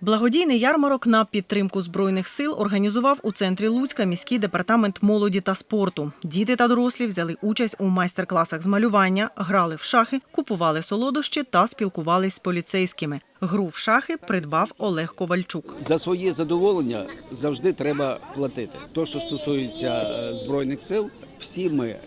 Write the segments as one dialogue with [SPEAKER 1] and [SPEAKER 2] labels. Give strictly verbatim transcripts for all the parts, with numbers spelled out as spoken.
[SPEAKER 1] Благодійний ярмарок на підтримку Збройних сил організував у центрі Луцька міський департамент молоді та спорту. Діти та дорослі взяли участь у майстер-класах з малювання, грали в шахи, купували солодощі та спілкувались з поліцейськими. Гру в шахи придбав Олег Ковальчук.
[SPEAKER 2] За своє задоволення завжди треба платити. Те, що стосується Збройних сил, всі ми е,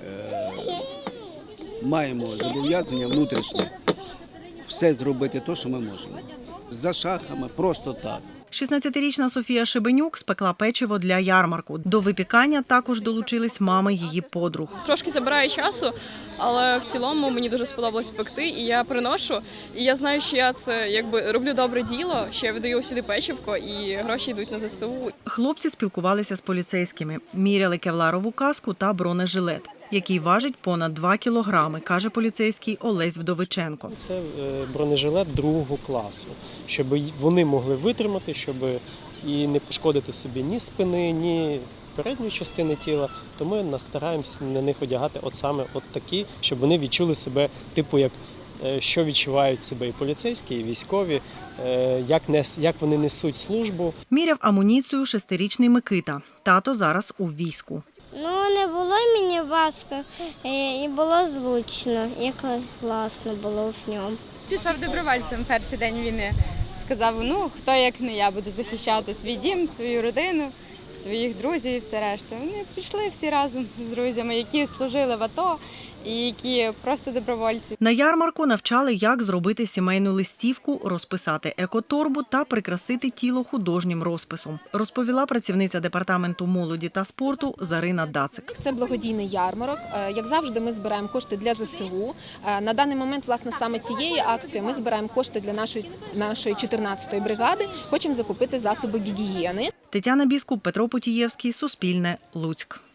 [SPEAKER 2] маємо зобов'язання внутрішнє все зробити те, що ми можемо. За шахами просто так.
[SPEAKER 1] шістнадцятирічна Софія Шебенюк спекла печиво для ярмарку. До випікання також долучились мами її подруг.
[SPEAKER 3] Трошки забирає часу, але в цілому мені дуже сподобалось пекти, і я приношу. І я знаю, що я це якби роблю добре діло, що я видаю сюди печивко, і гроші йдуть на ЗСУ.
[SPEAKER 1] Хлопці спілкувалися з поліцейськими, міряли кевларову каску та бронежилет, який важить понад два кілограми, каже поліцейський Олесь Вдовиченко.
[SPEAKER 4] Це бронежилет другого класу, щоб вони могли витримати, щоб і не пошкодити собі ні спини, ні передньої частини тіла. То ми стараємося на них одягати от саме от такі, щоб вони відчули себе, типу, як що відчувають себе і поліцейські, і військові, як, нес, як вони несуть службу.
[SPEAKER 1] Міряв амуніцію шестирічний Микита. Тато зараз у війську.
[SPEAKER 5] Ну, не було мені важко і було зручно, як класно було в ньому.
[SPEAKER 6] Пішов добровольцем перший день війни. Сказав, ну, хто як не я, буду захищати свій дім, свою родину, своїх друзів і все решта. Вони пішли всі разом з друзями, які служили в АТО і які просто добровольці.
[SPEAKER 1] На ярмарку навчали, як зробити сімейну листівку, розписати екоторбу та прикрасити тіло художнім розписом, розповіла працівниця департаменту молоді та спорту Зарина Дацик.
[SPEAKER 7] Це благодійний ярмарок. Як завжди, ми збираємо кошти для ЗСУ. На даний момент, власне, саме цією акцією ми збираємо кошти для нашої, нашої чотирнадцятої бригади. Хочемо закупити засоби гігієни.
[SPEAKER 1] Тетяна Біскуп, Петро Потієвський, Суспільне, Луцьк.